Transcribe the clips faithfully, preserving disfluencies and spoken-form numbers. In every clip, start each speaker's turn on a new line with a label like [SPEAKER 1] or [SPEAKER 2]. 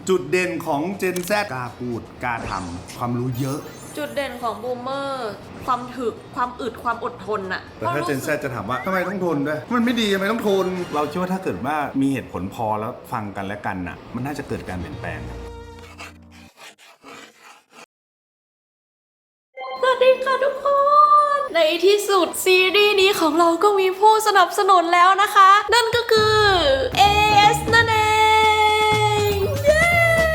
[SPEAKER 1] จุดเด่นของ Gen Z กล้าพูดกล้าทำความรู้เยอะ
[SPEAKER 2] จุดเด่นของบูมเมอร์ความถึกความอึดความอดทนอะ
[SPEAKER 1] แต่ถ้า Gen Z จะถามว่าทำไมต้องทนด้วยมันไม่ดีทำไมต้องทนเราคิดว่าถ้าเกิดว่ามีเหตุผลพอแล้วฟังกันและกันน่ะมันน่าจะเกิดการเปลี่ยนแปลง
[SPEAKER 2] สวัสดีค่ะทุกคนในที่สุดซีรีส์นี้ของเราก็มีผู้สนับสนุนแล้วนะคะนั่นก็คือ เอ เอส นั่นเองเย้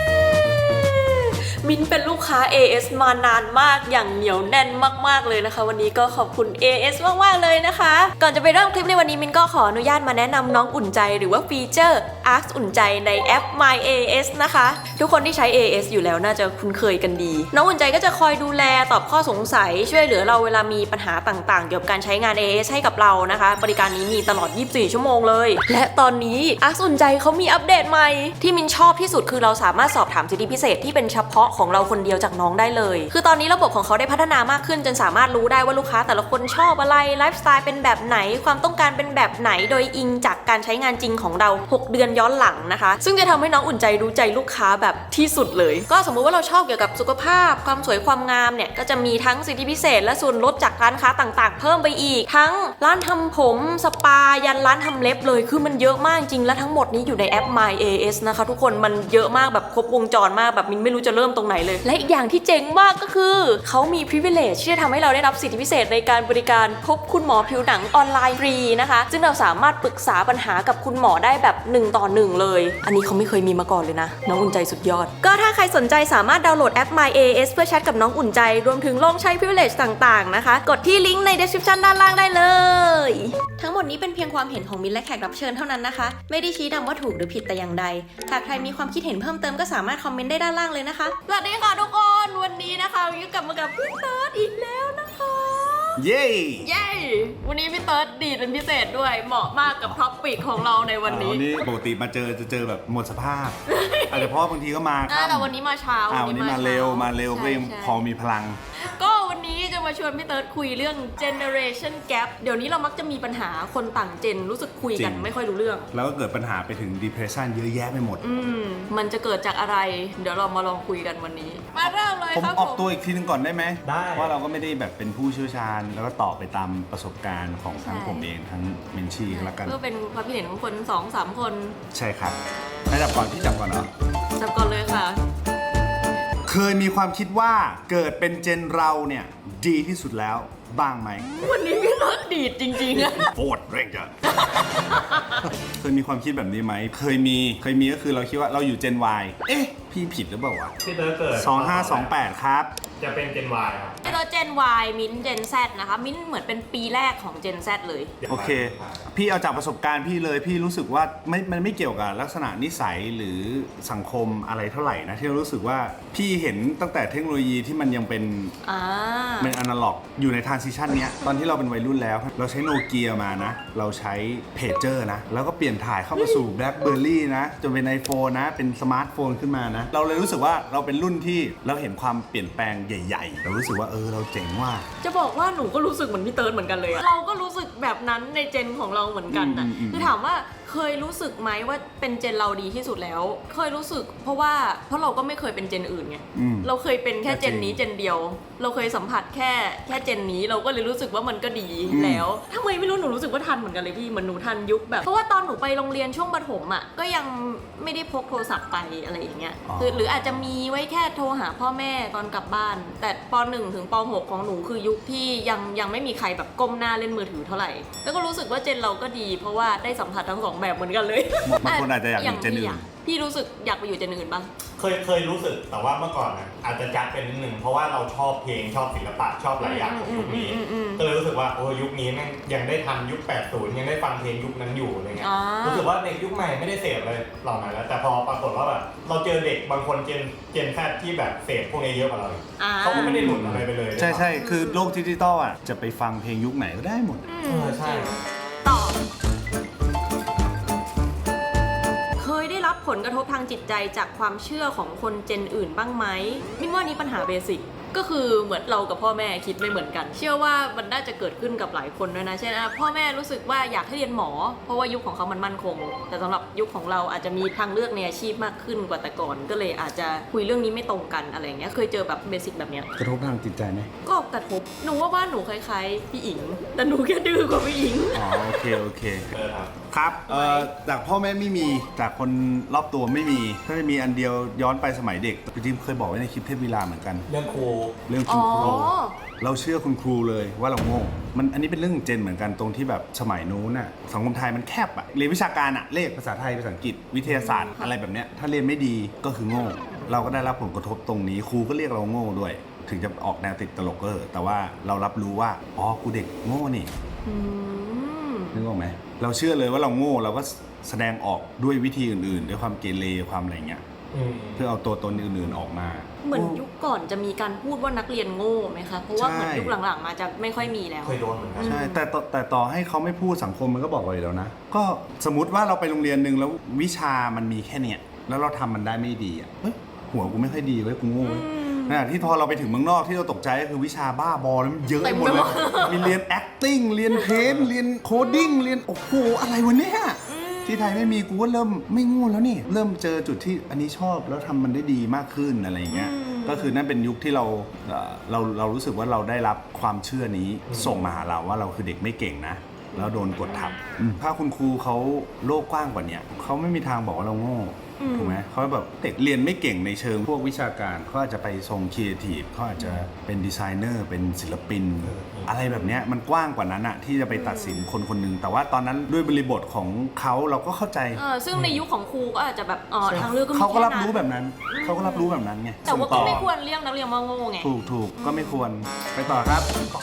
[SPEAKER 2] มินเป็นลูกค้า เอ เอส มานานมากอย่างเหนียวแน่นมากๆเลยนะคะวันนี้ก็ขอบคุณ เอ เอส มากๆเลยนะคะก่อนจะไปเริ่มคลิปในวันนี้มินก็ขออนุญาตมาแนะนำน้องอุ่นใจหรือว่าฟีเจอร์ Ask อุ่นใจในแอป My เอ เอส นะคะทุกคนที่ใช้ เอ เอส อยู่แล้วน่าจะคุ้นเคยกันดีน้องอุ่นใจก็จะคอยดูแลตอบข้อสงสัยช่วยเหลือเราเวลามีปัญหาต่างๆเกี่ยวกับการใช้งาน เอ เอส ให้กับเรานะคะบริการนี้มีตลอดยี่สิบสี่ชั่วโมงเลยและตอนนี้ Ask อุ่นใจเขามีอัปเดตใหม่ที่มินชอบที่สุดคือเราสามารถสอบถามสิทธิพิเศษที่เป็นเฉพาะของเราคนเดียวจากน้องได้เลยคือตอนนี้ระบบของเขาได้พัฒนามากขึ้นจนสามารถรู้ได้ว่าลูกค้าแต่ละคนชอบอะไรไลฟ์สไตล์เป็นแบบไหนความต้องการเป็นแบบไหนโดยอิงจากการใช้งานจริงของเราหกเดือนย้อนหลังนะคะซึ่งจะทำให้น้องอุ่นใจรู้ใจลูกค้าแบบที่สุดเลยก็สมมุติว่าเราชอบเกี่ยวกับสุขภาพความสวยความงามเนี่ยก็จะมีทั้งสิทธิพิเศษและส่วนลดจากร้านค้าต่างๆเพิ่มไปอีกทั้งร้านทำผมสปายันร้านทำเล็บเลยคือมันเยอะมากจริงและทั้งหมดนี้อยู่ในแอป My เอ เอส นะคะทุกคนมันเยอะมากแบบครบวงจรมากแบบมินไม่รู้จะเริ่มตรงไหนเลยและอีกอย่างที่เจ๋งมากก็คือเขามี privilege ที่จะทำให้เราได้รับสิทธิพิเศษในการบริการพบคุณหมอผิวหนังออนไลน์ฟรีนะคะซึ่งเราสามารถปรึกษาปัญหากับคุณหมอได้แบบหนึ่งต่อหนึ่งเลยอันนี้เขาไม่เคยมีมาก่อนเลยนะน้องอุ่นใจสุดยอดก็ถ้าใครสนใจสามารถดาวน์โหลดแอป My เอ เอส เพื่อแชทกับน้องอุ่นใจรวมถึงลองใช้ privilege ต่างๆนะคะกดที่ลิงก์ใน description ด้านล่างได้เลยทั้งหมดนี้เป็นเพียงความเห็นของมินและแขกรับเชิญเท่านั้นนะคะไม่ได้ชี้นำว่าถูกหรือผิดแต่อย่างใดหากใครมีความคิดเห็นเพิ่มเติมก็สามารถคอมเมนต์ได้ด้านล่างเลยนะคะสวัสดีค่ะทุกคนวันนี้นะคะมินกลับมากับพี่เติร์ดอีกแล้วนะคะ
[SPEAKER 1] เย้
[SPEAKER 2] เย้วันนี้พี่เติร์ดดีเป็นพิเศษด้วยเหมาะมากกับท็อปปิกของเราในวันนี้
[SPEAKER 1] วันนี้ปกติมาเจอจะเจอแบบหมดสภาพอาจจะเพราะบางทีก็มาครับ
[SPEAKER 2] แต่วันนี้มาเช้า
[SPEAKER 1] วันนี้มาเร็วมาเร็วก็ยังพอมีพลัง
[SPEAKER 2] ก็วันนี้จะมาชวนพี่เติร์ดคุยเรื่อง generation gap เดี๋ยวนี้เรามักจะมีปัญหาคนต่างเจนรู้สึกคุยกันไม่ค่อยรู้เรื่อง
[SPEAKER 1] แล้วก็เกิดปัญหาไปถึง depression เยอะแยะไปหมด
[SPEAKER 2] อืมมันจะเกิดจากอะไรเดี๋ยวเรามาลองคุยกันวันนี้มาเริ่มเลยครับ
[SPEAKER 1] ผมออกตัวอีกทีนึงก่อนได้ไหม
[SPEAKER 3] ได้
[SPEAKER 1] ว่าเราก็ไม่ได้แบบเป็นผู้เชี่ยวชาญแล้วก็ตอบไปตามประสบการณ์ของทั้งผมเองทั้งเมนชี่ก็แล้วกัน
[SPEAKER 2] เพื่อเป็นความคิดเห็นของคนสองสามคน
[SPEAKER 1] ใช่ครับให้จับก่อนพี่จับก่อนเหรอ
[SPEAKER 2] จับก่อนเลยค่ะ
[SPEAKER 1] เคยมีความคิดว่าเกิดเป็นเจนเราเนี่ยดีที่สุดแล้วบ้างไหม
[SPEAKER 2] วันนี้พี่เติร์ดดีดจริงๆอะ
[SPEAKER 1] โคตรเร่งจ้ะเคยมีความคิดแบบนี้ไหมเคยมีเคยมีก็คือเราคิดว่าเราอยู่เจน Y เอ๊ะพี่ผิดหรือเปล่าวะ
[SPEAKER 3] พี่เติร์ดเกิด
[SPEAKER 1] สองห้าสองแปดครับ
[SPEAKER 3] จะเป็นเจน Y ครับ
[SPEAKER 2] พี่เติร์ดเจน Y มิ้นเจน Z นะคะมิ้นเหมือนเป็นปีแรกของเจน Z เลย
[SPEAKER 1] โอเคพี่เอาจากประสบการณ์พี่เลยพี่รู้สึกว่าไม่มันไม่เกี่ยวกับลักษณะนิสัยหรือสังคมอะไรเท่าไหร่นะที่เรารู้สึกว่าพี่เห็นตั้งแต่เทคโนโลยีที่มันยังเป็นเป็นอนาล็อกอยู่ในทรานซิชันเนี้ยตอนที่เราเป็นวัยรุ่นแล้วเราใช้โนเกียมานะเราใช้เพจเจอร์นะแล้วก็เปลี่ยนถ่ายเข้ามาสู่แบล็คเบอร์รี่นะจนเป็น iPhone นะเป็นสมาร์ทโฟนขึ้นมานะเราเลยรู้สึกว่าเราเป็นรุ่นที่เราเห็นความเปลี่ยนแปลงใหญ่ๆเรารู้สึกว่าเออเราเจ๋งว่า
[SPEAKER 2] จะบอกว่าหนูก็รู้สึกเหมือนพี่เติร์ดเหมือนกันเลยเราก็รู้สึกแบบนั้นในเจนของเราเหมือนกันนะคือถามว่าเคยรู้สึกไหมว่าเป็นเจนเราดีที่สุดแล้วเคยรู้สึกเพราะว่าเพราะเราก็ไม่เคยเป็นเจนอื่นไงเราเคยเป็นแค่เจนนี้เจนเดียวเราเคยสัมผัสแค่แค่เจนนี้เราก็เลยรู้สึกว่ามันก็ดีแล้วทำไมไม่รู้หนูรู้สึกว่าทันเหมือนกันเลยพี่เหมือนหนูทันยุคแบบเพราะว่าตอนหนูไปโรงเรียนช่วงประถมอ่ะก็ยังไม่ได้พกโทรศัพท์ไปอะไรอย่างเงี้ยคือหรืออาจจะมีไว้แค่โทรหาพ่อแม่ตอนกลับบ้านแต่ป หนึ่ง ถึงป หก ของหนูคือยุคที่ยังยังไม่มีใครแบบก้มหน้าเล่นมือถือเท่าไหร่แล้วก็รู้สึกว่าเจนเราก็ดีเพราะว่าได้สัมผัสทั้งสองแบบเหมือนกันเลย
[SPEAKER 1] บางคนอาจจะอยากอยู่เจนอื่น
[SPEAKER 2] พี่รู้สึกอยากไปอยู่เจนอื่นบ้าง
[SPEAKER 3] เคยเคยรู้สึกแต่ว่าเมื่อก่อนนะอาจจะจัดเป็นนิดนึงเพราะว่าเราชอบเพลงชอบศิลปะชอบหลายอย่างของยุคนี้ก็เลยรู้สึกว่าโอ้ยุคนี้แม่งยังได้ทันยุคแปดสิบยังได้ฟังเพลงยุคนั้นอยู่อะไรเงี้ยรู้สึกว่าเด็กยุคใหม่ไม่ได้เสพเลยเหล่านั้นแล้วแต่พอปรากฏว่าแบบเราเจอเด็กบางคนเจนเจนแซดที่แบบเสพพวกนี้เยอะกว่าเราเขาก็ไม่ได้หลุดอะไรไปเลย
[SPEAKER 1] ใช่ใช่คือโลกดิจิตอลอ่ะจะไปฟังเพลงยุคไหนก็ได้หมด
[SPEAKER 3] ใช่
[SPEAKER 2] ต่อเคยได้รับผลกระทบทางจิตใจจากความเชื่อของคนเจนอื่นบ้างไหมมินว่านี่ปัญหาเบสิกก็คือเหมือนเรากับพ่อแม่คิดไม่เหมือนกัน เชื่อว่ามันน่าจะเกิดขึ้นกับหลายคนด้วยนะเช่นอ่ะพ่อแม่รู้สึกว่าอยากให้เรียนหมอ เพราะว่ายุคของเขามันมั่นคง แต่สำหรับยุคของเราอาจจะมีทางเลือกในอาชีพมากขึ้นกว่าแต่ก่อน ก็เลยอาจจะคุยเรื่องนี้ไม่ตรงกันอะไรเงี้ยเคยเจอแบบเบสิกแบบเนี้ย
[SPEAKER 1] กระทบทางจิตใจไหม
[SPEAKER 2] ก็กระทบหนูว่าบ้านหนูคล้ายๆพี่อิงแต่หนูแค่ดื้อกว่าพี่อิง
[SPEAKER 1] อ๋อโอเคโอเค
[SPEAKER 3] เออครับ
[SPEAKER 1] ครับเอ่อจากพ่อแม่ไม่มีจากคนรอบตัวไม่มีถ้าจะมีอันเดียวย้อนไปสมัยเด็กจริงๆเคยบอกไว้ในคลิปเทพวิลาเหมือนกัน
[SPEAKER 3] เรื่องครู
[SPEAKER 1] เรื่อง
[SPEAKER 2] อ๋
[SPEAKER 1] คุ
[SPEAKER 2] อ
[SPEAKER 1] ณครูเราเชื่อคุณครูเลยว่าเราโง่มันอันนี้เป็นเรื่องเจนเหมือนกันตรงที่แบบสมัยนู้นน่ะสังคมไทยมันแคบอะเรียนวิชาการอะเลขภาษาไทยภาษาอังกฤษวิทยาศาสตร์อะไรแบบเนี้ยถ้าเรียนไม่ดีก็คือโง่เราก็ได้รับผลกระทบตรงนี้ครูก็เรียกเราโง่ด้วย ถึงจะออกแนวติดตลกก็เถอะแต่ว่าเรารับรู้ว่าอ๋อกูเด็กโง่นี่
[SPEAKER 2] อืม
[SPEAKER 1] นึกออกไหมเราเชื่อเลยว่าเราโง่เราก็แสดงออกด้วยวิธีอื่นๆ ด้วยความเกเรความอะไรเงี้ย
[SPEAKER 3] อืม
[SPEAKER 1] เพื่อเอาตัวตนอื่นๆออกมา
[SPEAKER 2] เหมือนยุคก่อนจะมีการพูดว่านักเรียนโง่ไหมคะ เพราะว่า
[SPEAKER 1] ใช่
[SPEAKER 2] เหมือนยุคหลังๆมาจะไม่ค่อยมีแล้ว
[SPEAKER 3] เคยโดนเหมือนกัน
[SPEAKER 1] ใช่แต่ต่อแต่ต่อให้เขาไม่พูดสังคมมันก็บอกเราอยู่แล้วนะ ก็สมมติว่าเราไปโรงเรียนหนึ่งแล้ววิชามันมีแค่เนี้ยแล้วเราทำมันได้ไม่ดีอ่ะเฮ้ยหัวกูไม่ค่อยดีเว้ยกูโง่เว้ยขณะที่พอเราไปถึงเมืองนอกที่เราตกใจก็คือวิชาบ้าบอแล้วมันเยอะไปหมดเลยมีเรียน acting เรียน paint เรียน coding เรียนโอ้โหอะไรวะเนี่ยที่ไทยไม่มีกูก็เริ่มไม่โง่แล้วนี่เริ่มเจอจุดที่อันนี้ชอบแล้วทำมันได้ดีมากขึ้นอะไรอย่างเงี้ยก็คือนั่นเป็นยุคที่เราเอ่อเราเรารู้สึกว่าเราได้รับความเชื่อนี้ส่งมาหาเราว่าเราคือเด็กไม่เก่งนะแล้วโดนกดทับอืมถ้าคุณครูเขาโลกกว้างกว่านี้เขาไม่มีทางบอกว่าเราโง่ถูกไหมเขาแบบเด็กเรียนไม่เก่งในเชิงพวกวิชาการเขาอาจจะไปทรงครีเอทีฟเขาอาจจะเป็นดีไซเนอร์เป็นศิลปิน อะไรแบบเนี้ยมันกว้างกว่านั้นอะที่จะไปตัดสินคนคนหนึงแต่ว่าตอนนั้นด้วยบริบทของเขาเราก็เข้าใจ
[SPEAKER 2] เออซึ่งในยุคของครูก็อาจจะแบบอ๋อทางเลือกก็มี
[SPEAKER 1] เขาก็
[SPEAKER 2] แค่
[SPEAKER 1] รับ
[SPEAKER 2] นั้น
[SPEAKER 1] รู้แบบนั้นเขาก็รับรู้แบบนั้นไง
[SPEAKER 2] แต่ว่า
[SPEAKER 1] ส่ง
[SPEAKER 2] ก็
[SPEAKER 1] ต่อ
[SPEAKER 2] ไม่ควรเรียกนักเรียนว่าโง่ไง
[SPEAKER 1] ถูกถูกก็ไม่ควรไปต่อครับ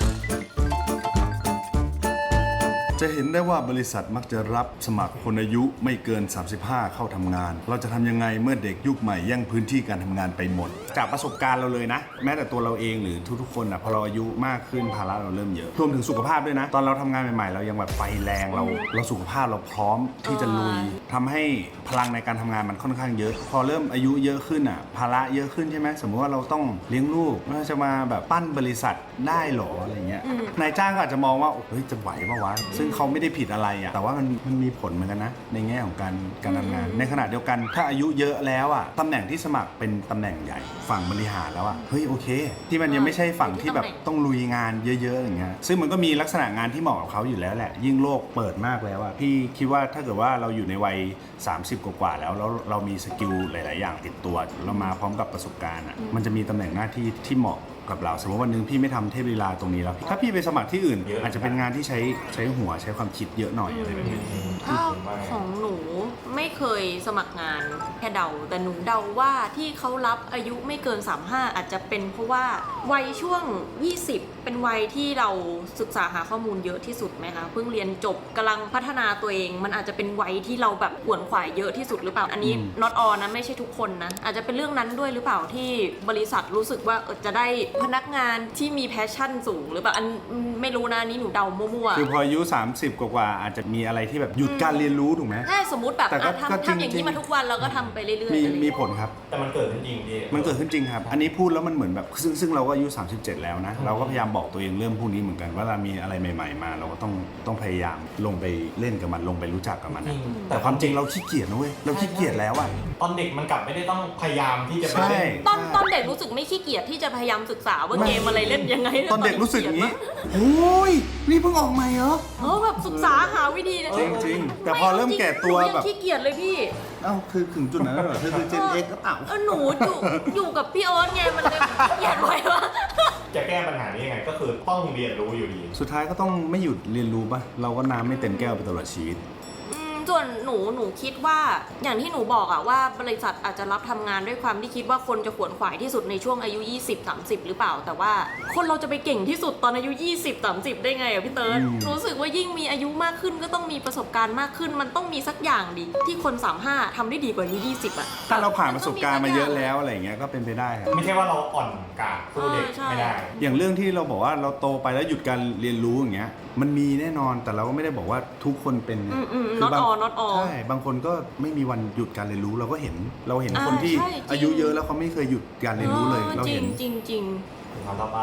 [SPEAKER 1] จะเห็นได้ว่าบริษัทมักจะรับสมัครคนอายุไม่เกิน สามสิบห้า เข้าทำงาน เราจะทำยังไงเมื่อเด็กยุคใหม่แย่งพื้นที่การทำงานไปหมด จากประสบการณ์เราเลยนะ แม้แต่ตัวเราเองหรือทุกๆคนนะพอเราอายุมากขึ้นภาระเราเริ่มเยอะรวมถึงสุขภาพด้วยนะ ตอนเราทำงานใหม่ๆเรายังแบบไฟแรงเราเราสุขภาพเราพร้อมที่จะลุยทำให้พลังในการทำงานมันค่อนข้างเยอะ พอเริ่มอายุเยอะขึ้นอ่ะภาระเยอะขึ้นใช่ไหมสมมติว่าเราต้องเลี้ยงลูกเราจะมาแบบปั้นบริษัทได้หรออะไรเงี้ยนายจ้างก็อาจจะมองว่าเฮ้ยจะไหวปะวะซึ่งเขาไม่ได้ผิดอะไรอ่ะแต่ว่ามันมันมีผลเหมือนกันนะในแง่ของการการทำงาน ในขณะเดียวกันถ้าอายุเยอะแล้วอ่ะตำแหน่งที่สมัครเป็นตำแหน่งใหญ่ฝั่งบริหารแล้วอ่ะเฮ้ยโอเค ที่มันยังไม่ใช่ฝั่งที่แบบต้องลุยงานเยอะๆอย่างเงี้ยซึ่งมันก็มีลักษณะงานที่เหมาะกับเขาอยู่แล้วแหละยิ่งโลกเปิดมากแล้วอ่ะพี่คิดว่าถ้าเกิดว่าเราอยู่ในวัยสามสิบกว่าๆแล้วแล้วเรามีสกิลหลายๆอย่างติดตัวเรามาพร้อมกับประสบการณ์อ่ะมันจะมีตำแหน่งหน้าที่ที่เหมาะกับเราสมมติวันหนึงพี่ไม่ทำเทพลีลาตรงนี้แล้วถ้าพี่ไปสมัครที่อื่น อาจจะเป็นงานที่ใช้ใช้หัวใช้ความคิดเยอะหน่อยอะไรแบบนี้
[SPEAKER 2] ถ้าของหนูไม่เคยสมัครงานแค่เดาแต่หนูเดาว่าที่เขารับอายุไม่เกินสามสิบห้าอาจจะเป็นเพราะว่าวัยช่วงยี่สิบเป็นวัยที่เราศึกษาหาข้อมูลเยอะที่สุดไหมคะเพิ่งเรียนจบกำลังพัฒนาตัวเองมันอาจจะเป็นวัยที่เราแบบขวนขวายเยอะที่สุดหรือเปล่าอันนี้ not all นะไม่ใช่ทุกคนนะอาจจะเป็นเรื่องนั้นด้วยหรือเปล่าที่บริษัทรู้สึกว่าเออจะได้พนักงานที่มีแพชชั่นสูงหรือเปล่าอันไม่รู้นะอันนี้หนูเดามั่วๆ
[SPEAKER 1] คือพออายุสามสิบกว่าๆอาจจะมีอะไรที่แบบหยุดการเรียนรู้ถูกไหม
[SPEAKER 2] ใช่สมมติแบบ
[SPEAKER 1] แต่ก็
[SPEAKER 2] อ่ะ
[SPEAKER 1] ก็
[SPEAKER 2] ทำ
[SPEAKER 1] จริง
[SPEAKER 2] ทำอย่างนี้มาทุกวันเราก็ทำไปเรื่อยๆ
[SPEAKER 1] มี
[SPEAKER 2] อะไรอย่าง
[SPEAKER 1] มี
[SPEAKER 2] เงี้ย
[SPEAKER 1] ผลครับ
[SPEAKER 3] แต่มันเกิดขึ้นจริงพี่
[SPEAKER 1] มันเกิดขึ้นจริงครับ อันนี้พูดแล้วมันเหมือนแบบซึ่งซึ่งเราก็อายุสามสิบเจ็ดแล้วนะ เราก็พยายามบอกตัวเองเรื่องพวกนี้เหมือนกันว่าเรามีอะไรใหม่ๆมาเราก็ต้องต้องพยายามลงไปเล่นกับมันลงไปรู้จักกับมันนะ
[SPEAKER 3] จริง
[SPEAKER 1] แต่ความจริงเราขี้เกียจนะเว้ยเราขี้เกียจแล้วอ่ะ
[SPEAKER 3] ตอนเด็กมันกลับไม่ได้ต้องพยายามที่จะไป
[SPEAKER 1] ใช่
[SPEAKER 3] เล่น
[SPEAKER 2] ตอนตอนเด็กรู้สึกไม่ขี้เกียจที่จะพยายามศึกษาว่าเกมอะไรเล่นยังไง
[SPEAKER 1] ตอนเด็กรู้สึกอย่างนี้โอ้ยนี่เพิ่งออกใหม่เหรอ
[SPEAKER 2] เออแบบศึกษาหาวิธีนะ
[SPEAKER 1] จริงๆแต่พอเริ่มแก่ตัว
[SPEAKER 2] หนูยัง
[SPEAKER 1] แบบ
[SPEAKER 2] ขี้เกียจเลยพี่
[SPEAKER 1] เอ้าคือถึงจุดนั้นแล้วเหรอเธอคือเจนเอ็กก็เปล่า
[SPEAKER 2] เออหนูอยู่อยู่กับพี่โอ๊ตไงมันเลยขี้เกียจไว้วะ
[SPEAKER 3] จะแก้ปัญหานี้ยังไงก็คือต้องเรียนรู้อยู่ดี
[SPEAKER 1] สุดท้ายก็ต้องไม่หยุดเรียนรู้ป่ะเราก็น้ำไม่เต็มแก้วไปตลอดชีวิต
[SPEAKER 2] อืมส่วนหนูหนูคิดว่าอย่างที่หนูบอกอะว่าบริษัทอาจจะรับทำงานด้วยความที่คิดว่าคนจะขวนขวายที่สุดในช่วงอายุยี่สิบ สามสิบหรือเปล่า แต่ว่าคนเราจะไปเก่งที่สุดตอนอายุยี่สิบ สามสิบได้ไงอะพี่เติร์ด
[SPEAKER 1] อืม
[SPEAKER 2] รู้สึกว่ายิ่งมีอายุมากขึ้นก็ต้องมีประสบการณ์มากขึ้น มันต้องมีสักอย่างดิที่คนสามสิบห้าทำได้ดีกว่าอายุยี่สิบอะ
[SPEAKER 1] ถ้าเราผ่านประสบการณ์มาเยอะแล้วอะไรอย่างเงี้ยก็เป็นไปได้ครับ
[SPEAKER 3] ไม่ใช่ว่าเราอ่อนกาจสู้เด็ก
[SPEAKER 2] เออใช่
[SPEAKER 3] ไม่ได้
[SPEAKER 1] อย่างเรื่องที่เราบอกว่าเราโตไปแล้วหยุดการเรียนรู้อย่างเงี้ยมันมีแน่นอนแต่เราก็ไม่ได้บอกว่าทุกคนเป็น
[SPEAKER 2] อืมอืม
[SPEAKER 1] คือบาง
[SPEAKER 2] not all not all
[SPEAKER 1] ใช่บางคนก็ไม่มีวันหยุดการเรียนรู้เราก็เห็นเราเห็น
[SPEAKER 2] อ่า
[SPEAKER 1] คนที่
[SPEAKER 2] ใช่จริง
[SPEAKER 1] อายุเยอะแล้วเขาไม่เคยหยุดการเรียนรู้เลยเรา
[SPEAKER 2] จริ
[SPEAKER 1] เห็
[SPEAKER 2] ง
[SPEAKER 1] น
[SPEAKER 2] จริงจริง
[SPEAKER 3] ถึงคำต่อไป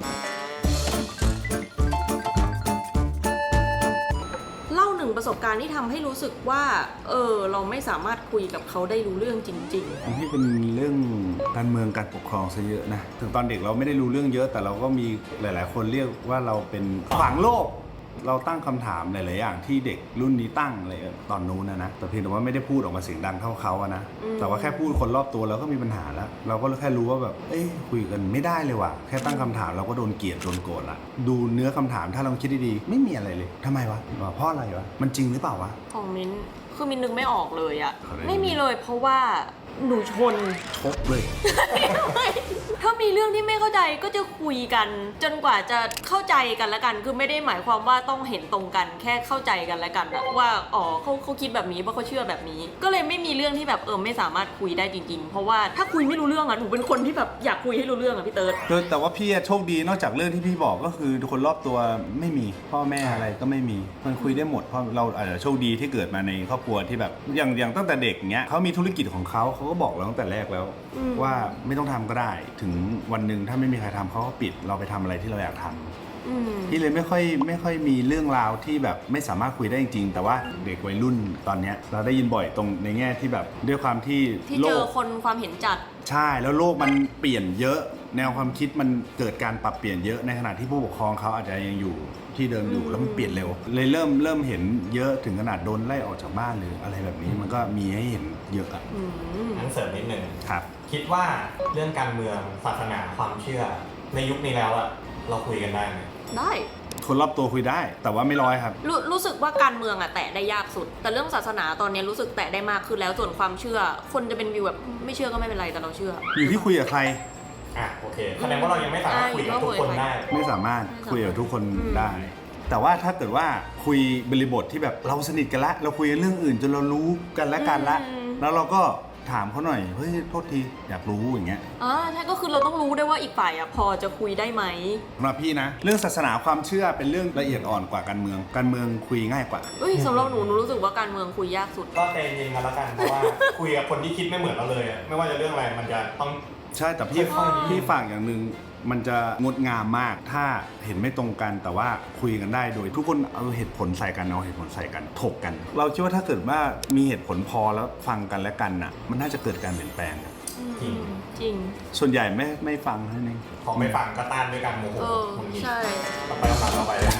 [SPEAKER 2] เล่าหนึ่งประสบการณ์ที่ทำให้รู้สึกว่าเออเราไม่สามารถคุยกับเขาได้รู้เรื่องจริง
[SPEAKER 1] ของพี่เป็นเรื่องการเมืองการปกครองซะเยอะนะถึงตอนเด็กเราไม่ได้รู้เรื่องเยอะ แต่เราก็มีหลาย ๆ คนเรียกว่าเราเป็นขวางโลก เราตั้งคำถามหลาย ๆ อย่างที่เด็กรุ่นนี้ตั้งอะไรตอนนู้นนะนะแต่เพียงแต่ว่าไม่ได้พูดออกมาเสียงดังเท่าเขาอะนะแต่ว่าแค่พูดคนรอบตัวเราก็มีปัญหาแล้ว เราก็แค่รู้ว่าแบบเอ้ยคุยกันไม่ได้เลยว่ะแค่ตั้งคำถามเราก็โดนเกลียดโดนโกรธละดูเนื้อคำถามถ้าเราคิดดี ๆ ไม่มีอะไรเลยทำไมวะเพราะอะไรวะมันจริงหรือเปล่าวะ
[SPEAKER 2] ๆ ของมิ้นคือมิ้นนึกไม่ออกเลยอะ
[SPEAKER 1] เขาได้
[SPEAKER 2] ไม่มีเลยเพราะว่าหนูชน
[SPEAKER 1] ชกเลย
[SPEAKER 2] ถ้ามีเรื่องที่ไม่เข้าใจก็จะคุยกัน จนกว่าจะเข้าใจกันแล้วกัน คือไม่ได้หมายความว่าต้องเห็นตรงกัน แค่เข้าใจกันแล้วกันอะว่าอ๋อเขาเขาคิดแบบนี้เพราะเขาเชื่อแบบนี้ ก็เลยไม่มีเรื่องที่แบบเออไม่สามารถคุยได้จริงๆ เพราะว่าถ้าคุยไม่รู้เรื่องอะหนูเป็นคนที่แบบอยากคุยให้รู้เรื่องอะพี่เติร์ด
[SPEAKER 1] คือแต่ว่าพี่อะโชคดีนอกจากเรื่องที่พี่บอกก็คือคนรอบตัวไม่มีพ่อแม่อะไรก็ไม่มีมันคุยได้หมดเพราะเราอาจจะโชคดีที่เกิดมาในครอบครัวที่แบบอย่างอย่างตั้งแต่เด็กเงี้ยเขามีธุรกิจของเขาเขาก็บอกเราตั้งแต่แรกแล้ว
[SPEAKER 2] อืม
[SPEAKER 1] ว่าไม่ต้องทำก็ได้ถึงวันหนึ่งถ้าไม่มีใครทำเขาก็ปิดเราไปทำอะไรที่เราอยากทำ
[SPEAKER 2] อืม
[SPEAKER 1] พี่เลยไม่ค่อยไม่ค่อยมีเรื่องราวที่แบบไม่สามารถคุยได้จริงๆแต่ว่าเด็กวัยรุ่นตอนเนี้ยเราได้ยินบ่อยตรงในแง่ที่แบบด้วยความที่
[SPEAKER 2] ที่
[SPEAKER 1] โล
[SPEAKER 2] เจอก คนความเห็นจัด
[SPEAKER 1] ใช่แล้วโลกมันเปลี่ยนเยอะ แนวความคิดมันเกิดการปรับเปลี่ยนเยอะในขณะที่ผู้ปกครองเขาอาจจะยังอยู่ที่เดิมอยู่แล้วมันเปลี่ยนเร็ว เลยเริ่มเริ่มเห็นเยอะถึงขนาดโดนไล่ออกจากบ้านหรืออะไรแบบนี้มันก็มีให้เห็นเยอะอะ
[SPEAKER 2] อืม
[SPEAKER 3] งั้นเสริมนิดนึง
[SPEAKER 1] ครับ
[SPEAKER 3] คิดว่าเรื่องการเมืองศาสนาความเชื่อ ในยุคนี้แล้วอะเราคุยกันได้ไหม
[SPEAKER 2] ได้
[SPEAKER 1] คนรอบตัวคุยได้ แต่ว่าไม่ร้อยครับ
[SPEAKER 2] รู้รู้สึกว่าการเมืองอะแตะได้ยากสุด แต่เรื่องศาสนาตอนนี้รู้สึกแตะได้มากขึ้นแล้วส่วนความเชื่อ คนจะเป็นวิวแบบไม่เชื่อก็ไม่เป็นไรแต่เราเชื่อ
[SPEAKER 1] อยู่ที่คุยกับใคร
[SPEAKER 3] อ่ะโอเคแสดงว่าเรายังไม่สามารถคุยกับทุกคนได้
[SPEAKER 1] ไม่สามารถ
[SPEAKER 2] ไม่สามารถ
[SPEAKER 1] คุยกับทุกคน
[SPEAKER 2] อืม
[SPEAKER 1] ได้ แต่ว่าถ้าเกิดว่าคุยบริบทที่แบบเราสนิทกันละเราคุยกันเรื่องอื่นจนเรารู้กันและกันละ
[SPEAKER 2] อืม
[SPEAKER 1] แล้วเราก็ถามเขาหน่อยเฮ้ยโทษทีอยากรู้อย่างเงี้ย
[SPEAKER 2] อ่าใช่ก็คือเราต้องรู้ด้วยว่าอีกฝ่ายอะพอจะคุยได้ไหม
[SPEAKER 1] สำหรับพี่นะ เรื่องศาสนาความเชื่อเป็นเรื่องละเอียดอ่อนกว่าการเมือง การเมืองคุยง่ายกว่า
[SPEAKER 2] เอ้ยสำหรับหนูหนูรู้สึกว่าการเมืองคุยยากสุด
[SPEAKER 3] ก็ใจเย็นกันแล้วกันเพราะว่า คุยกับคนที่คิดไม่เหมือนเราเลยอะไม่ว่าจะเรื่องอะไรมันจะต้อง
[SPEAKER 1] ใช่แต่พี่
[SPEAKER 3] ค่อยๆ
[SPEAKER 1] พี่ฝากอย่างหนึ่งมันจะงดงามมากถ้าเห็นไม่ตรงกันแต่ว่าคุยกันได้โดยทุกคนเอาเหตุผลใส่กันเอาเหตุผลใส่กันถกกัน เราคิดว่าถ้าเกิดว่ามีเหตุผลพอแล้วฟังกันและกันน่ะมันน่าจะเกิดการเปลี่ยนแปลงครับ
[SPEAKER 3] จริง
[SPEAKER 2] จริง
[SPEAKER 1] ส่วนใหญ่ไม่ไม่ฟังเท่านั้นเอง
[SPEAKER 3] พอไม่ฟังก็ต้านด้วยกันโมโห
[SPEAKER 2] เออ
[SPEAKER 3] หงุดหงิด
[SPEAKER 2] ใช่
[SPEAKER 3] ต่อไปคำถามต่อไปเลย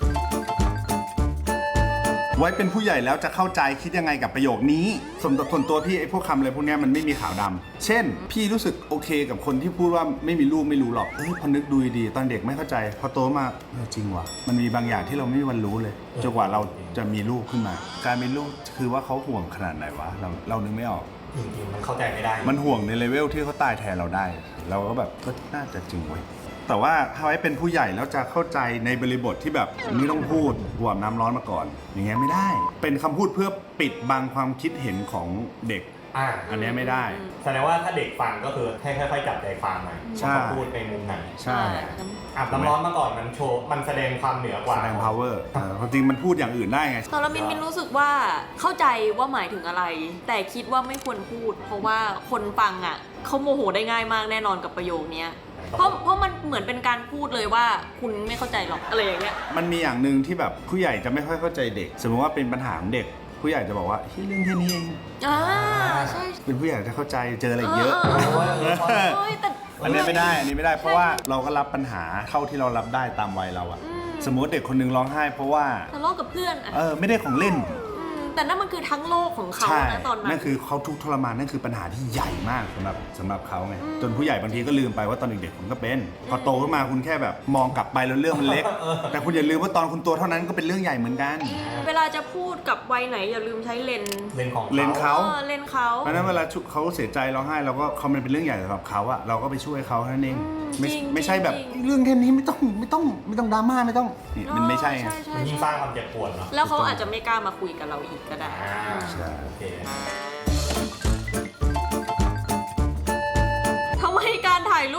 [SPEAKER 1] ไว้เป็นผู้ใหญ่แล้วจะเข้าใจคิดยังไงกับประโยคนี้สมส่วนตัวพี่ไอ้พวกคำอะไรพวกเนี้ยมันไม่มีขาวดำเช่น พี่รู้สึกโอเคกับคนที่พูดว่าไม่มีลูกไม่รู้หรอกเอ้ยพอนึกดูดีๆตอนเด็กไม่เข้าใจพอโตมาเออจริงว่ะมันมีบางอย่างที่เราไม่มีวันรู้เลยจนกว่าเราจะมีลูกขึ้นมา การมีลูกคือว่าเขาห่วงขนาดไหนวะเราเรานึกไม่ออก
[SPEAKER 3] จริงๆมันเข้าใจไม่ได้
[SPEAKER 1] มันห่วงในเลเวลที่เขาตายแทนเราได้ เราก็แบบก็น่าจะจริงเว้ยแต่ว่าถ้าไว้เป็นผู้ใหญ่แล้วจะเข้าใจในบริบทที่แบบไม่ต้องพูดหัวน้ำร้อนมาก่อน อย่างเงี้ยไม่ได้ เป็นคำพูดเพื่อปิดบังความคิดเห็นของเด็ก
[SPEAKER 3] อ่า
[SPEAKER 1] อันเนี้ยไม่ได้
[SPEAKER 3] แสดงว่าถ้าเด็กฟังก็คือให้ค่อยๆจับใจความหน่อย
[SPEAKER 1] ใช่
[SPEAKER 3] ว่าเขาพูดในมุมไหน
[SPEAKER 1] ใช่
[SPEAKER 3] อาบน้ำร้อนมาก่อนมันโชว์มันแสดงความเหนือกว่า
[SPEAKER 1] แสดง power เออความจริงมันพูดอย่างอื่นได้ไง
[SPEAKER 2] ตอนนั้นมินมินรู้สึกว่าเข้าใจว่าหมายถึงอะไร แต่คิดว่าไม่ควรพูด เพราะว่าคนฟังอ่ะเขาโมโหได้ง่ายมากแน่นอนกับประโยคเนี้ยเพราะเพราะมันเหมือนเป็นการพูดเลยว่าคุณไม่เข้าใจหรอกอะไรอย่างเงี้ย
[SPEAKER 1] มันมีอย่างหนึ่งที่แบบผู้ใหญ่จะไม่ค่อยเข้าใจเด็ก สมมติว่าเป็นปัญหาของเด็ก ผู้ใหญ่จะบอกว่าเฮ้ยเรื่องแค่นี้เอง
[SPEAKER 2] อ่าใช่
[SPEAKER 1] เป็นผู้ใหญ่จะเข้าใจเจออะไรอีกเยอะ
[SPEAKER 2] เฮ้ยแต่
[SPEAKER 1] อันนี้ไม่ได้ อันนี้ไม่ได้ เพราะว่าเราก็รับปัญหาเท่าที่เรารับได้ตามวัยเราอะ
[SPEAKER 2] อืม
[SPEAKER 1] สมมติเด็กคนหนึงร้องไห้เพราะว่า
[SPEAKER 2] ทะเลาะกับเพื่อนอ่ะ
[SPEAKER 1] เออไม่ได้ของเล่น
[SPEAKER 2] อืมแต่นั่นมันคือทั้งโลกของเขา
[SPEAKER 1] ใช่
[SPEAKER 2] นะตอนนั้น
[SPEAKER 1] นั่นคือเขาทุกข์ทรมานนั่นคือปัญหาที่ใหญ่มากสำหรับสำหรับเขาไง
[SPEAKER 2] อืม
[SPEAKER 1] จนผู้ใหญ่บางทีก็ลืมไปว่าตอนเด็กๆคุณก็เป็น พอโตขึ้นมาคุณแค่แบบมองกลับไปแล้วเรื่องมันเล็ก แต่คุณอย่าลืมว่าตอนคุณตัวเท่านั้นก็เป็นเรื่องใหญ่เหมือนกัน
[SPEAKER 2] เวลาจะพูดกับวัยไหนอย่าลืมใช้เลนส์
[SPEAKER 3] เลนของ
[SPEAKER 1] เลนเขา
[SPEAKER 2] เออเลนส์เขา
[SPEAKER 1] เพราะฉะนั้นเวลาเขาเสียใจร้องไห้เราก็เขามันเป็นเรื่องใหญ่สำหรับเขาอะเราก็ไปช่วยเขาเท่านั้นเอง
[SPEAKER 2] อืม
[SPEAKER 1] ไม่
[SPEAKER 2] จริง
[SPEAKER 1] ไม่ใช่แบบ
[SPEAKER 2] จริง
[SPEAKER 1] เรื่องแค่นี้ไม่ต้องไม่ต้องไม่ต้องดราม่าไม่ต้องนี่มันไม่ใช่ไง
[SPEAKER 2] ใช่ใช่
[SPEAKER 3] มันยิ่งสร้างความเจ็บปวดเนาะ
[SPEAKER 2] แล้วเขาอาจจะไม่กล้ามาคุยกับเราอีกก็ได้
[SPEAKER 3] อ่า
[SPEAKER 1] ใช่
[SPEAKER 3] โอเค
[SPEAKER 2] ทำไมการถ่ายรูปแบบเ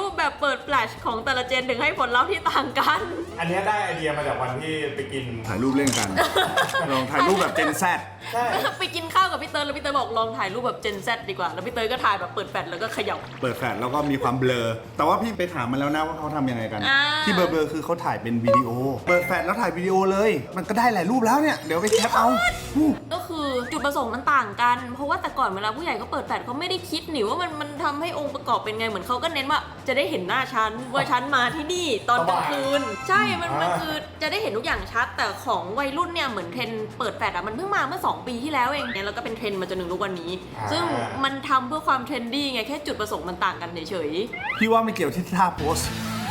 [SPEAKER 2] เปิดแฟลชของแต่ละเจนถึงให้ผลลัพธ์ที่ต่างกัน
[SPEAKER 3] อันเนี้ยได้ไอเดียมาจากวันที่ไปกิน
[SPEAKER 1] ถ่ายรูปเล่นกัน ลองถ่ายรูปแบบเจนแซด
[SPEAKER 3] ใช่
[SPEAKER 2] ไปกินข้าวกับพี่เติร์ดแล้วพี่เติร์ดบอกลองถ่ายรูปแบบเจนแซดดีกว่าแล้วพี่เติร์ดก็ถ่ายแบบเปิดแฟลชแล้วก็เขย่า
[SPEAKER 1] เปิดแฟลชแล้วก็มีความเบลอ แต่ว่าพี่ไปถามมาแล้วนะว่าเขาทำยังไงกัน
[SPEAKER 2] อ่า
[SPEAKER 1] ที่เบลอๆคือเขาถ่ายเป็นวิดีโอ เปิดแฟลชแล้วถ่ายวิดีโอเลย มันก็ได้หลายรูปแล้วเนี่ย เดี๋ยวไปแคปเอาอู้
[SPEAKER 2] ก็คือจุดประสงค์มันต่างกัน เพราะว่าแต่ก่อนเวลาผู้ใหญ่เขาเปิดแฟลชเขาไม่ได้คิดหนิว่ามันมันทำให้องค์ประกอบเป็นไงเหมือนเขาก็เน้นว่าจะได้เห็นหน้าฉันว่าฉันมาที่นี่ตอนกลางคืนใช่มันมันคือจะได้เห็นทุกอย่างชัด แต่ของวัยรุ่นเนี่ยเหมือนเทรนด์เปิดแฟลชอะมันเพิ่งมาเมื่อสองปีที่แล้วเองเนี่ยแล้วก็เป็นเทรนด์มาจนถึงทุกวันนี้ ซึ่งมันทำเพื่อความเทรนดี้ไงแค่จุดประสงค์มันต่างกันเฉย
[SPEAKER 1] พี่ว่าไม่เกี่ยวที่ท่าโพส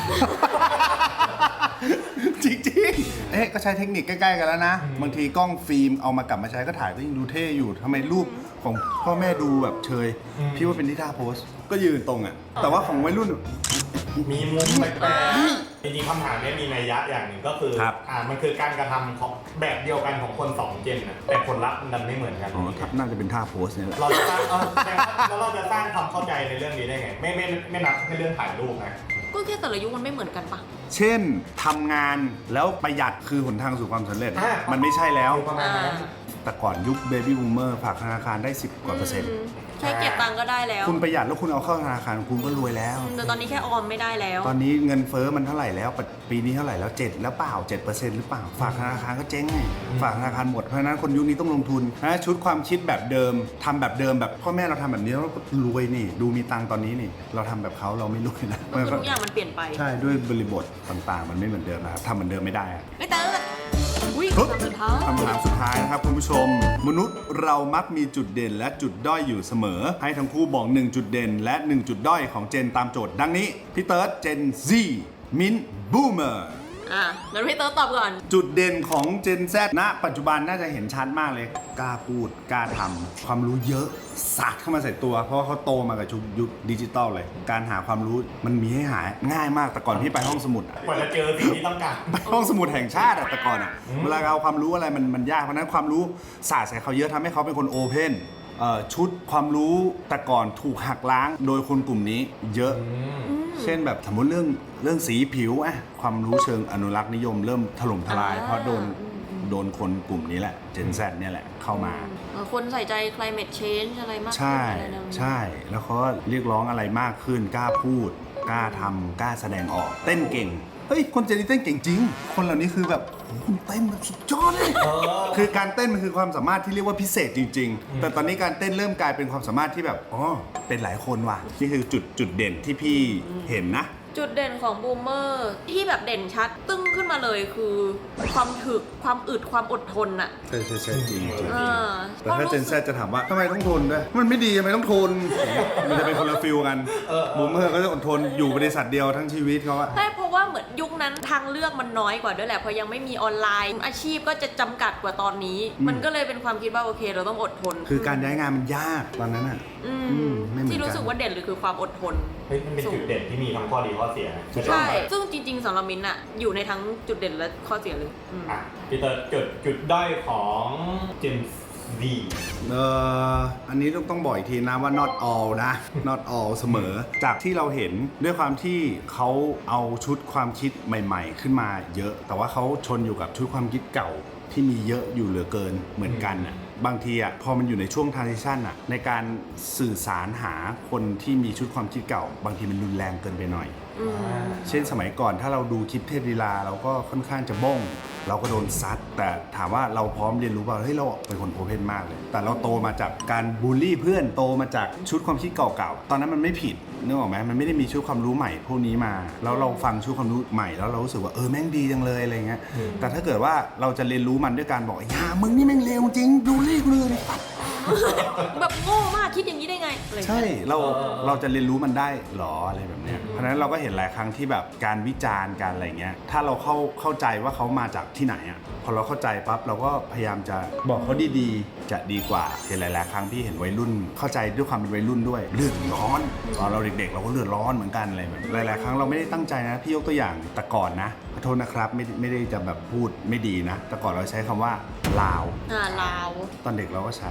[SPEAKER 1] จริงๆ เอ๊ะก็ใช้เทคนิคใกล้ๆกันแล้วนะ บางทีกล้องฟิล์มเอามากลับมาใช้ก็ถ่ายก็ยังดูเท่อยู่ทำไมรูปของพ่อแม่ดูแบบเชย พี่ว่าเป็นที่ท่าโพส ก็ยืนตรงอ่ะ แต่ว่าของวัยรุ่น
[SPEAKER 3] มีมุมแปลกๆจริงๆคำถามเนี้ยมีนัยยะอย่างหนึ่งก็คือ
[SPEAKER 1] ครับ
[SPEAKER 3] อ่ามันคือการกระทำของแบบเดียวกันของคนสองเจนนะแต่ผลลัพธ์มันดันไม่เหมือนกัน
[SPEAKER 1] อ๋อครับน่าจะเป็นท่าโพสเนี่ยแหละ
[SPEAKER 3] เราจะสร้างเออแต่แล้วเราจะสร้างความเข้าใจในเรื่องนี้ได้ไง ไม่ไม่ไม่นับแค่เรื่องถ่ายรูปนะ
[SPEAKER 2] ๆก็แค่แต่ละยุคมันไม่เหมือนกันปะ
[SPEAKER 1] เช่นทำงานแล้วประหยัดคือหนทางสู่ความสำเร็จ
[SPEAKER 3] อ่ะ
[SPEAKER 1] มันไม่ใช่แล้ว
[SPEAKER 3] ประมาณนั้น
[SPEAKER 1] แต่ก่อนยุคเบบี้บูมเมอร์ฝากธนาคารได้สิบกว่าเปอร์เซ็นต์
[SPEAKER 2] แค่เก็บตังค์ก็ได้แล้ว
[SPEAKER 1] คุณประหยัดแล้วคุณเอาเข้าธนาคารคุณก็รวยแล้ว
[SPEAKER 2] แต่ตอนนี้แค่ออมไม่ได้แล้ว
[SPEAKER 1] ตอนนี้เงินเฟ้อมันเท่าไหร่แล้ว ปีนี้เท่าไหร่แล้วเจ็ดแล้วเปล่าเจ็ดเปอร์เซ็นต์หรือเปล่า ฝากธนาคารก็เจ๊งไงฝากธนาคารหมด เพราะฉะนั้นคนยุคนี้ต้องลงทุนนะชุดความคิดแบบเดิมทำแบบเดิมแบบพ่อแม่เราทำแบบนี้แล้วก็รวยนี่ ดูมีตังค์ตอนนี้นี่ เราทำแบบเขาเราไม่รวยนะ
[SPEAKER 2] ก็คือทุกอย่างมันเปลี่ยนไป
[SPEAKER 1] ใช่ด้วยบริบทต่างๆ มันไม่เหมือนเดิมนะครับทำเหมือนเดิมไม่ได้อะ
[SPEAKER 2] ไม่เติร์ดอุ้ย
[SPEAKER 1] ปึ๊บ
[SPEAKER 2] คำสุดท้าย
[SPEAKER 1] คำถามสุดท้ายนะครับคุณผู้ชม มนุษย์เรามักมีจุดเด่นและจุดด้อยอยู่เสมอ ให้ทั้งคู่บอกหนึ่งจุดเด่นและหนึ่งจุดด้อยของเจนตามโจทย์ดังนี้พี่เติร์ดเจน Z มิ้นบูมเมอร์
[SPEAKER 2] อ่ะงั้นพี่เติร์ดตอบก่อน
[SPEAKER 1] จุดเด่นของเจน Z ณปัจจุบันน่าจะเห็นชัดมากเลย กล้าพูดกล้าทำความรู้เยอะสาดเข้ามาใส่ตัว เพราะว่าเขาโตมากับชุกยุคดิจิตอลเลย การหาความรู้มันมีให้หาง่ายมากแต่ก่อนพี่ไปห้องสมุดอะ
[SPEAKER 3] กว่าจะเจอสิ่งที่ต้องการ
[SPEAKER 1] ไปห้องสมุดแห่งชาติอะแต่ก่อนอะเวลาเอาความรู้อะไรมันมันยากเพราะฉะนั้นความรู้สาดใส่เขาเยอะทำให้เขาเป็นคนโอเพนเอ่อชุดความรู้แต่ก่อนถูกหักล้างโดยคนกลุ่มนี้เยอะ เช่นแบบสมมติเรื่องเรื่องสีผิวอะความรู้เชิงอนุรักษ์นิยมเริ่มถล่มทลาย
[SPEAKER 2] อ่า
[SPEAKER 1] เพราะโดนโดนคนกลุ่มนี้แหละ Gen Z เนี่ยแหละเข้ามา
[SPEAKER 2] เออคนใส่ใจ climate change อะไรมากขึ้น
[SPEAKER 1] ใช่
[SPEAKER 2] อะไรแนวนี้
[SPEAKER 1] ใช่ แล้วเขาก็เรียกร้องอะไรมากขึ้น กล้าพูด กล้าทำกล้าแสดงออก เต้นเก่ง เฮ้ย คนเจนนี่เต้นเก่งจริง คนเหล่านี้คือแบบโอ้โหคุณเต้นแบบสุดยอดเลย คือการเต้นมันคือความสามารถที่เรียกว่าพิเศษจริง ๆ แต่ตอนนี้การเต้นเริ่มกลายเป็นความสามารถที่แบบ อ๋อ เป็นหลายคนว่ะ นี่คือจุดจุดเด่นที่พี่เห็นนะ
[SPEAKER 2] จุดเด่นของบูมเมอร์ที่แบบเด่นชัดตึ้งขึ้นมาเลยคือความถึกความอึดความอดทนอะ
[SPEAKER 1] ใช่ใช่ใช่จริงจริง
[SPEAKER 2] เออ
[SPEAKER 1] แต่ถ้าเจนแซจะถามว่าทำไมต้องทนด้วย มันไม่ดีทำไมต้องทน มันจะเป็นคนละฟิลกันบูมเมอร์ก็จะอดทนอยู่บริษัทเดียวทั้งชีวิตเขาอะ
[SPEAKER 2] ใช่เพราะว่าเหมือนยุคนั้นทางเลือกมันน้อยกว่าด้วยแหละเพราะยังไม่มีออนไลน์ อาชีพก็จะจำกัดกว่าตอนนี้ มันก็เลยเป็นความคิดว่าโอเคเราต้องอดทน
[SPEAKER 1] คือการย้ายงานมันยากตอนนั้นอะ
[SPEAKER 2] อืม
[SPEAKER 1] อืมไม่เหมือนกัน
[SPEAKER 2] ที่รู้สึกว่าเด่นเลยคือความอดทน
[SPEAKER 3] เฮ้ยมันเป็นจุดเด่นที่มีทั้งข้อดีข้อเสียนะ
[SPEAKER 2] ใช่ ซึ่งจริงๆสำหรับมินอะอยู่ในทั้งจุดเด่นและข้อเสียเลยอืม
[SPEAKER 3] อ่ะพี่เตอร์จุดจุดด้อยของ Gen Z
[SPEAKER 1] เอออันนี้ต้องต้องบอกอีกทีนะว่า not all นะ not all เสมอ จากที่เราเห็นด้วยความที่เขาเอาชุดความคิดใหม่ ๆ ขึ้นมาเยอะ แต่ว่าเขาชนอยู่กับชุดความคิดเก่าที่มีเยอะอยู่เหลือเกินเหมือนกันอ่ะ บางทีอ่ะพอมันอยู่ในช่วง transition อ่ะในการสื่อสารหาคนที่มีชุดความคิดเก่า บางทีมันรุนแรงเกินไปหน่อย
[SPEAKER 2] อืม
[SPEAKER 1] เช่นสมัยก่อนถ้าเราดูคลิปเทพลีลาเราก็ค่อนข้างจะบ้ง เราก็โดนซัด แต่ถามว่าเราพร้อมเรียนรู้เปล่าเฮ้ยเราเป็นคนโอเพนมากเลย แต่เราโตมาจากการบูลลี่เพื่อนโตมาจากชุดความคิดเก่าๆตอนนั้นมันไม่ผิดนึกออกไหมมันไม่ได้มีชุดความรู้ใหม่พวกนี้มาแล้วเราฟังชุดความรู้ใหม่แล้วเรารู้สึกว่าเออแม่งดีจังเลยอะไรเงี้ยแต่ถ้าเกิดว่าเราจะเรียนรู้มันด้วยการบอกอย่ามึงนี่แม่งเลวจริงบูลลี่กูเลย
[SPEAKER 2] แบบโง่มากคิดอย่างนี้ได้ไงอะไรอย่าง
[SPEAKER 1] ใช่
[SPEAKER 2] เงี้ย
[SPEAKER 1] เราเราจะเรียนรู้มันได้หรออะไรแบบเนี้ยเพราะฉะนั้นเราก็เห็นหลายครั้งที่แบบการวิจารณ์การอะไรเงี้ยถ้าเราเข้าเข้าใจว่าเขามาจากที่ไหนอ่ะพอเราเข้าใจปั๊บเราก็พยายามจะบอกเขาดีๆจะดีกว่าเห็นหลายๆครั้งพี่เห็นวัยรุ่น เข้าใจด้วยความเป็นวัยรุ่นด้วยเลือดร้อนตอนเราเด็กๆ เราก็เลือดร้อนเหมือนกันอะไรแบบหลายๆครั้งเราไม่ได้ตั้งใจนะพี่ยกตัวอย่างแต่ก่อนนะขอโทษนะครับไม่ไม่ได้จะแบบพูดไม่ดีนะแต่ก่อนเราใช้คำว่าลาว
[SPEAKER 2] อ่าลาว
[SPEAKER 1] ตอนเด็กเราก็ใช้อยู่ๆ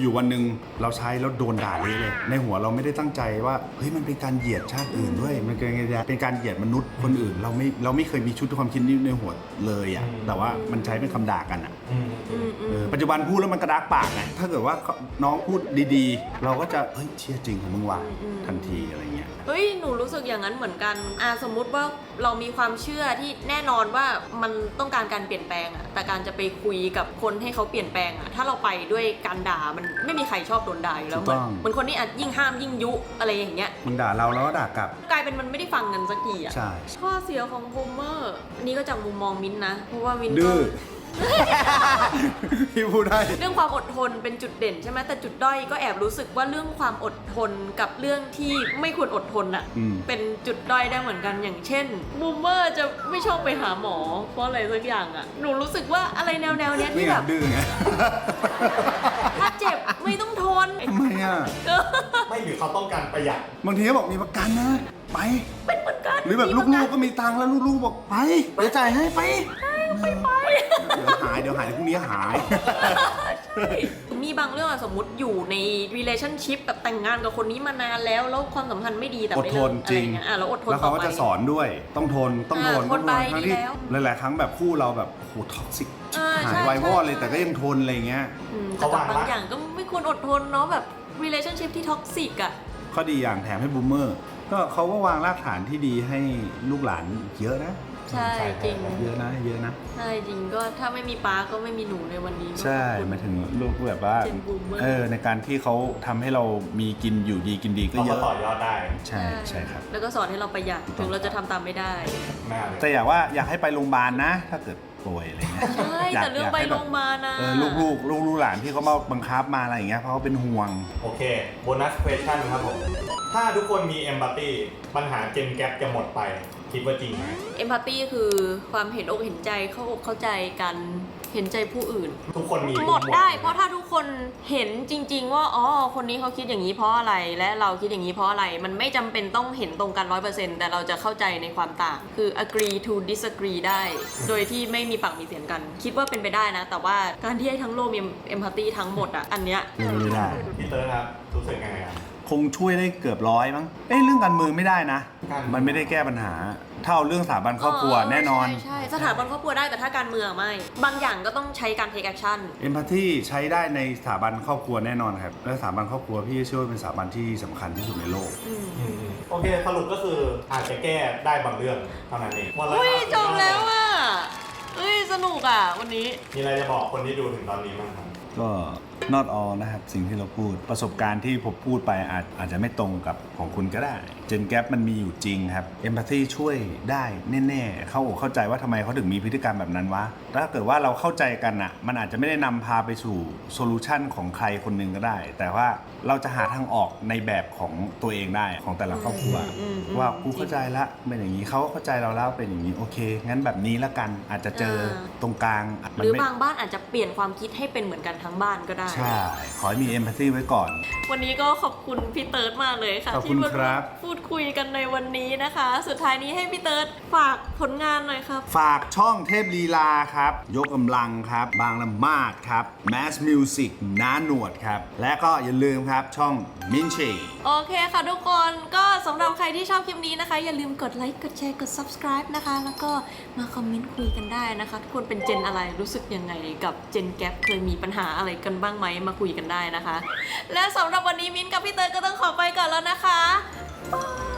[SPEAKER 1] อยู่วันหนึ่งเราใช้แล้วโดนด่าเละเลยในหัวเราไม่ได้ตั้งใจว่าเฮ้ยมันเป็นการเหยียดชาติอื่นด้วยมันเป็นการเป็นการเหยียดมนุษย์คนอื่นเราไม่เราไม่เคยมีชุดความคิดนี้ในหัวเลยอ่ะแต่ว่ามันใช้เป็นคำด่ากันอ่ะ
[SPEAKER 3] อืม
[SPEAKER 2] อืมอืม
[SPEAKER 1] เออปัจจุบันพูดแล้วมันกระดากปากไงถ้าเกิดว่าน้องพูดดีๆ เราก็จะเฮ้ยเชื่อจริงของมึงว่ะทันทีอะไรเงี้ย
[SPEAKER 2] เฮ้ยหนูรู้สึกอย่างนั้นเหมือนกันอ่าสมมุติว่าเรามีความเชื่อที่แน่นอนว่ามันต้องการการเปลี่ยนแปลงอะแต่การจะไปคุยกับคนให้เขาเปลี่ยนแปลงอะถ้าเราไปด้วยการด่ามันไม่มีใครชอบโดนด่าอยู่แล้ว
[SPEAKER 1] ถู
[SPEAKER 2] เห
[SPEAKER 1] ก
[SPEAKER 2] มื
[SPEAKER 1] ต้
[SPEAKER 2] อน
[SPEAKER 1] อง
[SPEAKER 2] เหมือนคนที่อาจยิ่งห้ามยิ่งยุอะไรอย่างเงี้ย
[SPEAKER 1] มึงด่าเราแล้วก็ด่ากลับ
[SPEAKER 2] กลายเป็นมันไม่ได้ฟังกันสักทีอะ
[SPEAKER 1] ใช่
[SPEAKER 2] ข้อเสียของบูมเมอร์อันนี้ก็จากมุมมองมิ้นท์นะเพราะว่ามิ้นท์
[SPEAKER 1] ดื้
[SPEAKER 2] ก็
[SPEAKER 1] อ พี่พูดได้
[SPEAKER 2] เรื่องความอดทนเป็นจุดเด่นใช่ไหมแต่จุดด้อยก็แอบรู้สึกว่าเรื่องความอดทนกับเรื่องที่ไม่ควรอดทนอะ
[SPEAKER 1] อืม
[SPEAKER 2] เป็นจุดด้อยได้เหมือนกันอย่างเช่นบูมเมอร์จะไม่ชอบไปหาหมอเพราะอะไรสักอย่างอะหนูรู้สึกว่าอะไรแนวแนวๆเนี้ย
[SPEAKER 1] นี่
[SPEAKER 2] ที่
[SPEAKER 1] ไง
[SPEAKER 2] แบบ
[SPEAKER 1] ดื้อไง
[SPEAKER 2] ถ้าเจ็บไม่ต้องทน
[SPEAKER 1] ทำไมอ่ะ
[SPEAKER 3] ไม่หรือเขาต้องการประหยัด
[SPEAKER 1] บางทีก็บอกมีประกันนะ ไป
[SPEAKER 2] เป็นเหมือนกัน
[SPEAKER 1] หรือแบบลูกๆก็มีตังค์แล้วลูกๆบอกไปเดี๋ยวจ่ายให้ไป
[SPEAKER 2] ไปไป
[SPEAKER 1] เดี๋ยวหายเดี๋ยวหายเดี๋ยวพรุ่งนี้หาย
[SPEAKER 2] มีบางเรื่องอะสมมติอยู่ใน relationship แบบแต่งงานกับคนนี้มานานแล้วแล้วความสัมพันธ์ไม่ดีแต่
[SPEAKER 1] อด
[SPEAKER 2] ไม่
[SPEAKER 1] ท
[SPEAKER 2] เลิ
[SPEAKER 1] น
[SPEAKER 2] ก
[SPEAKER 1] จ
[SPEAKER 2] อะไร
[SPEAKER 1] ริง
[SPEAKER 2] เงี้ยอ่ะแล้วอดทน
[SPEAKER 1] แล้วเขา
[SPEAKER 2] ต่อ
[SPEAKER 1] ก็
[SPEAKER 2] ไป
[SPEAKER 1] จะสอนด้วยต้องทนต้องทน
[SPEAKER 2] อ่า
[SPEAKER 1] ต้อง
[SPEAKER 2] ทนไป
[SPEAKER 1] ทั้งที่
[SPEAKER 2] ดีแล้ว
[SPEAKER 1] หลายๆครั้งแบบคู่เราแบบโหท็อกซิก
[SPEAKER 2] อ่า
[SPEAKER 1] หา
[SPEAKER 2] ใช่
[SPEAKER 1] ยวายวอด
[SPEAKER 2] ใช่
[SPEAKER 1] เลยแต่ก็ยังทนอะไรเงี้ย
[SPEAKER 2] อืมแต่กับบางอย่างก็ไม่ควรอดทนเนาะแบบ relationship ที่ท็อกซิกอะ
[SPEAKER 1] ข้อดีอย่างแถมให้บูมเมอร์ก็เขาก็วางรากฐานที่ดีให้ลูกหลานเยอะนะ
[SPEAKER 2] ใช่จริง
[SPEAKER 1] เยอะนะเยอะนะ
[SPEAKER 2] ใช่จริงก็ถ้าไม่มีป้าก็ไม่มีหนูในวันนี้
[SPEAKER 1] ใช่
[SPEAKER 2] ขอบคุณ
[SPEAKER 1] หมายถึงลูกแบบว่า
[SPEAKER 2] Gen Boomer
[SPEAKER 1] เออในการที่เขาทำให้เรามีกินอยู่ดีกินดีก็
[SPEAKER 3] เรา
[SPEAKER 1] เย
[SPEAKER 3] ก็
[SPEAKER 1] อะ
[SPEAKER 3] ต่อยอดได้
[SPEAKER 1] ใช่ใช่ครับ
[SPEAKER 2] แล้วก็สอนให้เราประหยัดถึงเราจะทำตามไม่ได้
[SPEAKER 3] แม่เลย
[SPEAKER 1] แต่อยากว่าอยากให้ไปโรงพยาบาลนะ ถ้าเกิดป่วยอะไรเงี้ย
[SPEAKER 2] ใช่
[SPEAKER 1] ยาก
[SPEAKER 2] แต่เรื่อง
[SPEAKER 1] ยาก
[SPEAKER 2] ไป
[SPEAKER 1] ให้
[SPEAKER 2] โร
[SPEAKER 1] แบบ
[SPEAKER 2] งพยาบาลนะ
[SPEAKER 1] เออลูกลูกลูกลูกหลานที่เขามาบังคับมาอะไรอย่างเงี้ยเพราะเขาเป็นห่วง
[SPEAKER 3] โอเคโบนัส question ครับผม ถ้าทุกคนมี empathy ปัญหา gen gap จะหมดไป คิดว่าจริงไหม
[SPEAKER 2] เอมพัตตี้คือความเห็นอกเห็นใจเข้าอกเข้าใจกันเห็นใจผู้อื่น
[SPEAKER 3] ทุกคนมี
[SPEAKER 2] หมดได้เพราะถ้าทุกคนเห็นจริง ๆ ว่าอ๋อคนนี้เขาคิดอย่างนี้เพราะอะไรและเราคิดอย่างนี้เพราะอะไร มันไม่จำเป็นต้องเห็นตรงกัน ร้อยเปอร์เซ็นต์ แต่เราจะเข้าใจในความต่างคือ agree to disagree ได้ โดยที่ไม่มีปากมีเสียงกัน คิดว่าเป็นไปได้นะ แต่ว่าการที่ให้ทั้งโลกมีเอมพัตตี้ทั้งหมดอ่ะอันเนี้ย
[SPEAKER 1] ไม่ได้
[SPEAKER 3] พี่เติร์ดครับ รู้สึกยังไงครับ
[SPEAKER 1] คงช่วยได้เกือบร้อยมั้งเอ้ยเรื่องการเมืองไม่ได้นะ
[SPEAKER 3] การเมือง
[SPEAKER 1] มันไม่ได้แก้ปัญหาถ้าเอาเรื่องสถาบันครอบครัวแน่นอน
[SPEAKER 2] ใช่ใช่สถาบันครอบครัวได้แต่ถ้าการเมืองไม่ บางอย่างก็ต้องใช้การ take action
[SPEAKER 1] เอมพัตตีใช้ได้ในสถาบันครอบครัวแน่นอนครับและสถาบันครอบครัวพี่เชื่อว่าเป็นสถาบันที่สำคัญที่สุดในโลก
[SPEAKER 2] อืม
[SPEAKER 3] อืมโอเค สรุปก็คืออาจจะแก้ได้บางเรื่องเท่านั้นเองหมดแล้ว
[SPEAKER 2] อุ้ย
[SPEAKER 3] ครับ
[SPEAKER 2] จบแล้วอ่ะเอ้ยสนุกอ่ะวันนี้
[SPEAKER 3] มีอะไรจะบอกคนที่ดูถึงตอนนี้บ้างครับ
[SPEAKER 1] ก็ not all นะครับสิ่งที่เราพูดประสบการณ์ที่ผมพูดไปอาจอาจจะไม่ตรงกับของคุณก็ได้ Gen Gap มันมีอยู่จริงครับ Empathy ช่วยได้แน่ๆเข้าอกเข้าใจว่าทำไมเขาถึงมีพฤติกรรมแบบนั้นวะถ้าเกิดว่าเราเข้าใจกันอ่ะมันอาจจะไม่ได้นำพาไปสู่โซลูชันของใครคนหนึ่งก็ได้ แต่ว่าเราจะหาทางออกในแบบของตัวเองได้ของแต่ละครอบครัว
[SPEAKER 2] อืมอืม
[SPEAKER 1] ว่ากูเข้าใจละเป็นอย่างนี้เขาก็เข้าใจเราแล้วเป็นอย่างนี้โอเค งั้นแบบนี้ละกันอาจจะเจอตรงกลาง
[SPEAKER 2] หรือบางบ้านอาจจะเปลี่ยนความคิดให้เป็นเหมือนกันทั้งบ้านก็ได้
[SPEAKER 1] ใช่ ขอให้มี empathy ไว้ก่อน
[SPEAKER 2] วันนี้ก็ขอบคุณพี่เติร์ดมากเลยค่ะ
[SPEAKER 1] ขอบคุณ
[SPEAKER 2] ที่มา
[SPEAKER 1] ครับ
[SPEAKER 2] พูดคุยกันในวันนี้นะคะ สุดท้ายนี้ให้พี่เติร์ดฝากผลงานหน่อยครับ
[SPEAKER 1] ฝากช่องเทพลีลาครับ ยกกำลังครับ บางละมาดครับ Mass Music น้าหนวดครับ และก็อย่าลืมครับช่องมินชี
[SPEAKER 2] โอเคค่ะทุกคนก็สำหรับใครที่ชอบคลิปนี้นะคะ อย่าลืมกดไลค์กดแชร์กด subscribe นะคะ แล้วก็มาคอมเมนต์คุยกันได้นะคะ ทุกคนเป็นเจนอะไรรู้สึกยังไงกับเจนแกปเคยมีปัญหาอะไรกันบ้างไหมมาคุยกันได้นะคะ และสำหรับวันนี้มิ้นท์กับพี่เตยก็ต้องขอไปก่อนแล้วนะคะบาย